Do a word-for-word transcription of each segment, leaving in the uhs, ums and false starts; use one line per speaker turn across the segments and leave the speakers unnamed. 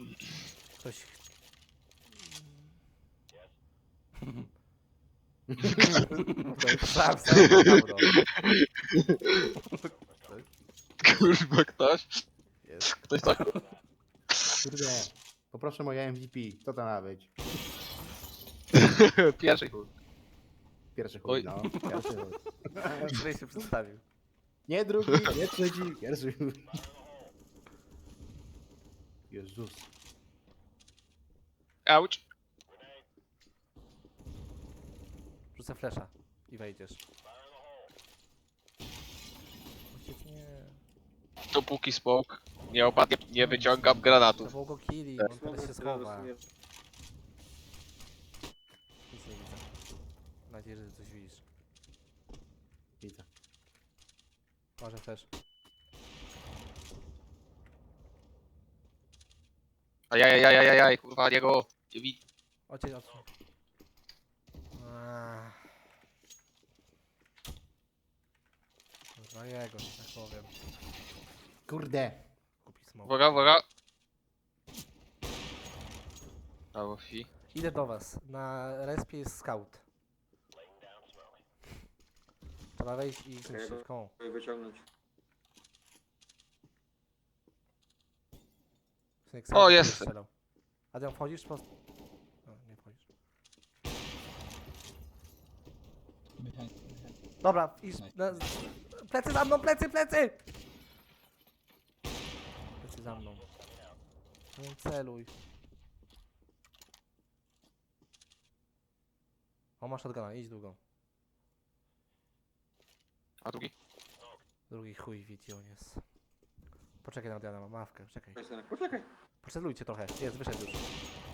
Ktoś... Sam, sam, dobra.
Kurwa, ktoś?
Jest.
Ktoś tak?
Kurde. Poproszę moje M V P. Co to ma być?
Pierwszy chuj.
Pierwszy chuj,
Oj.
no. Pierwszy chuj.
Który się przedstawił.
Nie drugi, nie trzeci, pierwszy chuj. Jezus.
Auć.
Rzucę flesza i wejdziesz. Ojciec, nie.
Dopóki smok nie opadnie, nie wyciągam
To
granatów.
było go killi, on teraz się schowa. Nic nie widzę. Mam nadzieję, że ty coś widzisz.
Widzę.
Może też.
Ajajajajajaj, kurwa, niego. Nie widzę.
Ojciec, odsuń. Ach. Kurwa jego, że tak powiem.
Kurde.
Kupi smok.
Uwaga, uwaga. Brawo, fi.
Idę do was. Na respie jest scout. Trzeba wejść i zniszczyć koło.
Wyciągnąć.
Synek,
O,
scout
jest.
strzelał. Adrian, wchodzisz? Po... No, nie wchodzisz. Dobra, idź. Na... Plecy za mną, plecy, plecy! Plecy za mną. Nie celuj. O, masz shotguna, idź długo.
A drugi?
Drugi chuj widzi, on jest. Poczekaj na Adriana, mam mawkę, czekaj.
Poczekaj, synek, poczekaj.
Poczekajcie trochę, jest, wyszedł już.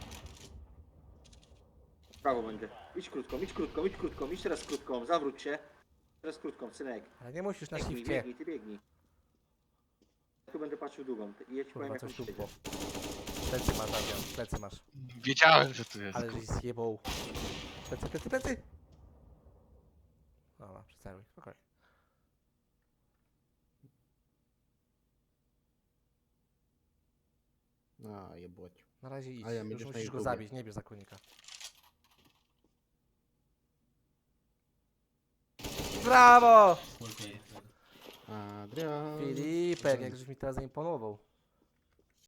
Prawo będzie. Idź krótką, idź krótką, idź krótką, idź teraz krótką, zawróć się. Teraz krótką, synek.
Ale nie musisz na
Biegnij,
shifcie.
biegnij, ty biegnij. Ja tu będę patrzył długą. Ty- Jedź, powiem
Kurwa,
jak on
coś tu
przyjdzie.
było. Plecy masz, Adrian, plecy masz.
Wiedziałem, że tu jest.
Ale żeś zjebał. Plecy, plecy, plecy! Dobra, przestaruj, spokojnie.
No, jebłoć.
Na razie idź,
A ja
już
będziesz na
musisz go
YouTubie.
zabić, nie bierz zakonnika. Brawo!
Adrian.
Filipek, jak żeś mi teraz zaimponował.